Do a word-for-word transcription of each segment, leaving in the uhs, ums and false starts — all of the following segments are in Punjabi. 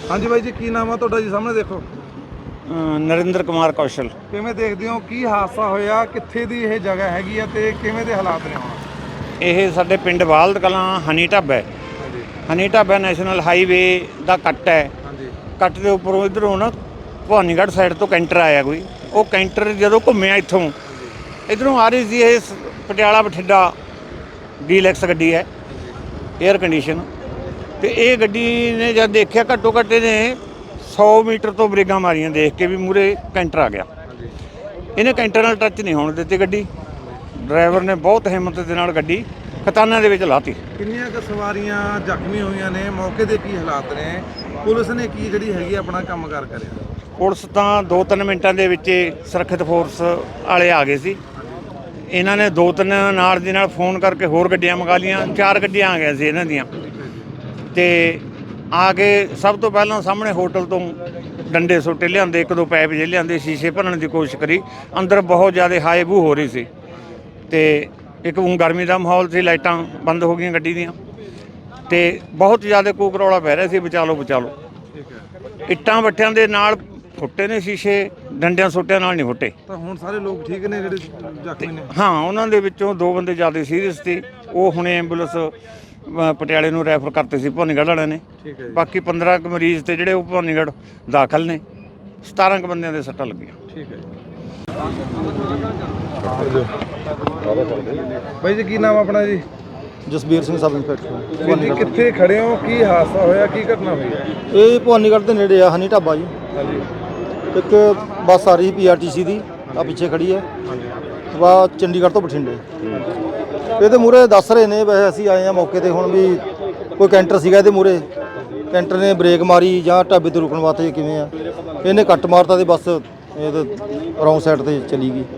हाँ जी भाई जी, की नाम है तुहाडा जी? सामने देखो। नरेंद्र कुमार कौशल। किवें देखदे हो की हादसा होया, कित्थे दी ਇਹ जगह हैगी ਆ ਤੇ ਕਿਵੇਂ ਦੇ ਹਾਲਾਤ ਨੇ ਹੁਣ? ਇਹ ਸਾਡੇ ਪਿੰਡ ਵਾਲਦ ਕਲਾਂ ਹਨੀ ਢਾਬਾ ਹੈ। ਹਾਂਜੀ ਹਨੀ ਢਾਬਾ ਨੈਸ਼ਨਲ ਹਾਈਵੇ ਦਾ ਕੱਟ ਹੈ। ਹਾਂਜੀ ਕੱਟ ਦੇ ਉੱਪਰੋਂ ਇਧਰੋਂ ਨਾ ਭਵਾਨੀਗੜ੍ਹ ਸਾਈਡ ਤੋਂ ਕੈਂਟਰ ਆਇਆ ਕੋਈ। ਉਹ ਕੈਂਟਰ ਜਦੋਂ ਘੁੰਮਿਆ ਇੱਥੋਂ ਇਧਰੋਂ ਆ ਰਹੀ ਸੀ ਇਹ ਪਟਿਆਲਾ ਬਠਿੰਡਾ ਡੀਲੈਕਸ ਗੱਡੀ ਹੈ, ਏਅਰ ਕੰਡੀਸ਼ਨ। ਤੇ ਇਹ ਗੱਡੀ ਨੇ ਜਦ ਦੇਖਿਆ ਘੱਟੋ ਘੱਟ ਇਹਨੇ ਸੌ ਮੀਟਰ ਤੋਂ ਬ੍ਰੇਕਾਂ ਮਾਰੀਆਂ ਦੇਖ ਕੇ ਵੀ ਮੂਹਰੇ ਕੈਂਟਰ ਆ ਗਿਆ। ਇਹਨੇ ਕੈਂਟਰ ਨਾਲ ਟੱਚ ਨਹੀਂ ਹੋਣ ਦਿੱਤੀ ਗੱਡੀ। ਡਰਾਈਵਰ ਨੇ ਬਹੁਤ ਹਿੰਮਤ ਦੇ ਨਾਲ ਗੱਡੀ ਖਤਾਨਾਂ ਦੇ ਵਿੱਚ ਲਾਤੀ। ਕਿੰਨੀਆਂ ਕੁ ਸਵਾਰੀਆਂ ਜ਼ਖਮੀ ਹੋਈਆਂ ਨੇ? ਮੌਕੇ ਦੇ ਕੀ ਹਾਲਾਤ ਨੇ? ਪੁਲਿਸ ਨੇ ਕੀ ਜਿਹੜੀ ਹੈਗੀ ਆਪਣਾ ਕੰਮ ਕਾਰ ਕਰਿਆ? ਪੁਲਿਸ ਤਾਂ ਦੋ ਤਿੰਨ ਮਿੰਟਾਂ ਦੇ ਵਿੱਚ ਸੁਰੱਖਿਅਤ ਫੋਰਸ ਵਾਲੇ ਆ ਗਏ ਸੀ। ਇਹਨਾਂ ਨੇ ਦੋ ਤਿੰਨ ਨਾਲ ਦੀ ਨਾਲ ਫੋਨ ਕਰਕੇ ਹੋਰ ਗੱਡੀਆਂ ਮੰਗਾ ਲਈਆਂ। ਚਾਰ ਗੱਡੀਆਂ ਆ ਗਈਆਂ ਸੀ ਇਹਨਾਂ ਦੀਆਂ। ਤੇ ਆ ਕੇ ਸਭ ਤੋਂ ਪਹਿਲਾਂ ਸਾਹਮਣੇ ਹੋਟਲ ਤੋਂ ਡੰਡੇ ਸੋਟੇ ਲਿਆਂਦੇ, ਇੱਕ ਦੋ ਪੈਪ ਜਿਹੇ ਲਿਆਂਦੇ, ਸ਼ੀਸ਼ੇ ਭੰਨਣ ਦੀ ਕੋਸ਼ਿਸ਼ ਕਰੀ। ਅੰਦਰ ਬਹੁਤ ਜ਼ਿਆਦਾ ਹਾਈ ਬੂ ਹੋ ਰਹੀ ਸੀ ਤੇ ਇੱਕ ਉਹ ਗਰਮੀ ਦਾ ਮਾਹੌਲ ਸੀ, ਲਾਈਟਾਂ ਬੰਦ ਹੋ ਗਈਆਂ ਗੱਡੀ ਦੀਆਂ ਤੇ ਬਹੁਤ ਜ਼ਿਆਦਾ ਕੂਕ ਰੌਲਾ ਪੈ ਰਿਹਾ ਸੀ, ਬਚਾ ਲਓ ਬਚਾ ਲਓ। ਇੱਟਾਂ ਵੱਟਿਆਂ ਦੇ ਨਾਲ ਫੁੱਟੇ ਨੇ ਸ਼ੀਸ਼ੇ, ਡੰਡਿਆਂ ਸੋਟਿਆਂ ਨਾਲ ਨਹੀਂ ਫੁੱਟੇ। ਤਾਂ ਹੁਣ ਸਾਰੇ ਲੋਕ ਠੀਕ ਨੇ ਜਿਹੜੇ ਜ਼ਖਮੀ ਨੇ? ਹਾਂ, ਉਹਨਾਂ ਦੇ ਵਿੱਚੋਂ ਦੋ ਬੰਦੇ ਜ਼ਿਆਦਾ ਸੀਰੀਅਸ ਸੀ। ਉਹ ਹੁਣੇ ਐਂਬੂਲੈਂਸ ਪਟਿਆਲੇ ਨੂੰ ਰੈਫਰ ਕਰਤੇ ਸੀ ਭਵਾਨੀਗੜ੍ਹ ਵਾਲਿਆਂ ਨੇ। ਠੀਕ ਹੈ ਜੀ। ਬਾਕੀ ਪੰਦਰਾਂ ਕੁ ਮਰੀਜ਼ ਤੇ ਜਿਹੜੇ ਉਹ ਭਵਾਨੀਗੜ੍ਹ ਦਾਖਲ ਨੇ। ਸਤਾਰਾਂ ਕੁ ਬੰਦਿਆਂ ਦੇ ਸੱਟਾਂ ਲੱਗੀਆਂ। ਠੀਕ ਹੈ ਜੀ। ਬਾਈ ਜੀ, ਕੀ ਨਾਮ ਆਪਣਾ ਜੀ? Jasbir Singh sub inspector. ਵੀਰ ਜੀ, ਕਿੱਥੇ ਖੜੇ ਹੋ? ਕੀ ਹਾਦਸਾ ਹੋਇਆ? ਕੀ ਘਟਨਾ ਹੋਈ ਹੈ? ਇਹ ਭਵਾਨੀਗੜ੍ਹ ਦੇ ਨੇੜੇ ਆ ਹਨੀ ਢਾਬਾ ਜੀ। ਹਾਂਜੀ ਇੱਕ ਬੱਸ ਆ ਰਹੀ ਪੀਆਰਟੀਸੀ ਦੀ, ਆ ਪਿੱਛੇ ਖੜੀ ਹੈ। ਹਾਂਜੀ ਵਾ ਚੰਡੀਗੜ੍ਹ ਤੋਂ ਬਠਿੰਡੇ। ਇਹਦੇ ਮੂਹਰੇ ਦੱਸ ਰਹੇ ਨੇ, ਵੈਸੇ ਅਸੀਂ ਆਏ ਆ ਮੌਕੇ ਤੇ ਹੁਣ ਵੀ ਕੋਈ ਕੈਂਟਰ ਸੀਗਾ ਇਹਦੇ ਮੂਹਰੇ। ਕੈਂਟਰ ਨੇ ਬ੍ਰੇਕ ਮਾਰੀ ਜਾਂ ਢਾਬੇ ਤੇ ਰੁਕਣ ਵਾਸਤੇ ਕਿਵੇਂ ਆ, ਇਹਨੇ ਕੱਟ ਮਾਰਤਾ ਤੇ ਬੱਸ ਇਹ ਰੌਂਗ ਸਾਈਡ ਤੇ ਚਲੀ ਗਈ।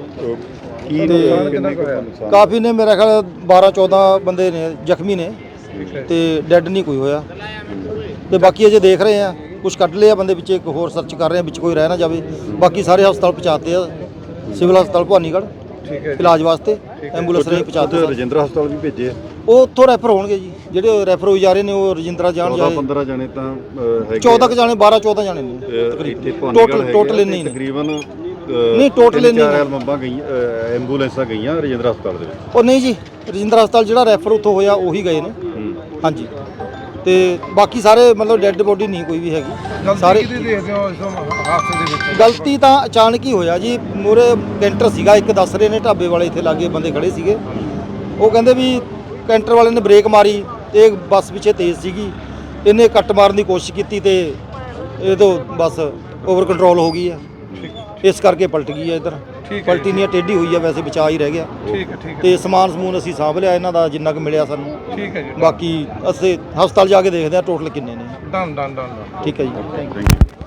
ਤੇ ਕਾਫੀ ਨੇ, ਮੇਰਾ ਖਿਆਲ ਬਾਰਾਂ ਚੌਦਾਂ ਬੰਦੇ ਨੇ ਜ਼ਖਮੀ ਨੇ ਤੇ ਡੈੱਡ ਨਹੀਂ ਕੋਈ ਹੋਇਆ। ਤੇ ਬਾਕੀ ਅਜੇ ਦੇਖ ਰਹੇ ਆ, ਕੁਝ ਕੱਢ ਲਿਆ ਬੰਦੇ ਵਿੱਚ, ਇੱਕ ਹੋਰ ਸਰਚ ਕਰ ਰਹੇ ਆ ਵਿੱਚ ਕੋਈ ਰਹਿ ਨਾ ਜਾਵੇ। ਬਾਕੀ ਸਾਰੇ ਹਸਪਤਾਲ ਪਹੁੰਚਾਤੇ ਆ, ਸਿਵਲ ਹਸਪਤਾਲ ਭਵਾਨੀਗੜ੍ਹ ਇਲਾਜ ਵਾਸਤੇ ਐਂਬੂਲੈਂਸ ਰਾਹੀਂ ਪਹੁੰਚਾਤੇ। ਰਜਿੰਦਰਾ ਹਸਪਤਾਲ ਵੀ ਭੇਜੇ ਆ, ਉਹ ਉੱਥੋਂ ਰੈਫਰ ਹੋਣਗੇ ਜੀ। ਜਿਹੜੇ ਰੈਫਰ ਹੋਈ ਜਾ ਰਹੇ ਨੇ ਉਹ ਰਜਿੰਦਰਾ ਜਾਣ ਜਾਏ। ਪੰਦਰਾਂ ਜਾਣੇ ਤਾਂ ਹੈਗੇ, ਚੌਦਾਂ ਕੁ ਜਾਣੇ, ਬਾਰਾਂ ਚੌਦਾਂ ਜਾਣੇ ਨੇ ਟੋਟਲ। ਟੋਟਲ ਇੰਨੇ ਹੀ ਨੇ ਤਕਰੀਬਨ। ਨਹੀਂ, ਟੋਟਲ ਇੰਨੇ ਚਾਰ ਐਲਬਮਾਂ ਗਈਆਂ, ਐਂਬੂਲੈਂਸਾਂ ਗਈਆਂ ਰਜਿੰਦਰਾ ਹਸਪਤਾਲ ਦੇ ਵਿੱਚ। ਉਹ ਨਹੀਂ ਜੀ, ਰਜਿੰਦਰਾ ਹਸਪਤਾਲ ਜਿਹੜਾ ਰੈਫਰ ਉੱਥੋਂ ਹੋਇਆ ਉਹੀ ਗਏ ਨੇ। ਹਾਂਜੀ, ਤੇ ਬਾਕੀ ਸਾਰੇ ਮਤਲਬ ਡੈੱਡ ਬੋਡੀ ਨਹੀਂ ਕੋਈ ਵੀ ਹੈਗੀ। ਸਾਰੇ ਦੇਖਦੇ ਹੋ ਇਸ ਹਾਦਸੇ ਦੇ ਵਿੱਚ? ਗਲਤੀ ਤਾਂ ਅਚਾਨਕ ਹੀ ਹੋਇਆ ਜੀ। ਮੂਹਰੇ ਕੈਂਟਰ ਸੀਗਾ, ਇੱਕ ਦੱਸ ਰਹੇ ਨੇ ਢਾਬੇ ਵਾਲੇ ਇੱਥੇ ਲਾਗੇ ਬੰਦੇ ਖੜੇ ਸੀਗੇ। ਉਹ ਕਹਿੰਦੇ ਵੀ ਕੈਂਟਰ ਵਾਲੇ ਨੇ ਬ੍ਰੇਕ ਮਾਰੀ ਤੇ ਬੱਸ ਪਿੱਛੇ ਤੇਜ਼ ਸੀਗੀ, ਇਹਨੇ ਕੱਟ ਮਾਰਨ ਦੀ ਕੋਸ਼ਿਸ਼ ਕੀਤੀ ਤੇ ਇਹ ਤੋਂ ਬੱਸ ਓਵਰ ਕੰਟਰੋਲ ਹੋ ਗਈ ਆ, ਇਸ ਕਰਕੇ ਪਲਟ ਗਈ ਆ ਇੱਧਰ। ਪਲਟੀ ਨਹੀਂ, ਟੇਢੀ ਹੋਈ ਆ, ਵੈਸੇ ਬਚਾ ਹੀ ਰਹਿ ਗਿਆ। ਠੀਕ ਹੈ ਠੀਕ ਹੈ। ਤੇ ਸਮਾਨ ਸਮੂਨ ਅਸੀਂ ਸਾਂਭ ਲਿਆ ਇਹਨਾਂ ਦਾ ਜਿੰਨਾ ਕੁ ਮਿਲਿਆ ਸਾਨੂੰ। ਠੀਕ ਹੈ ਜੀ। ਬਾਕੀ ਅਸੀਂ ਹਸਪਤਾਲ ਜਾ ਕੇ ਦੇਖਦੇ ਆ ਟੋਟਲ ਕਿੰਨੇ ਨੇ। Done done done. ਠੀਕ ਹੈ ਜੀ, ਥੈਂਕ ਯੂ।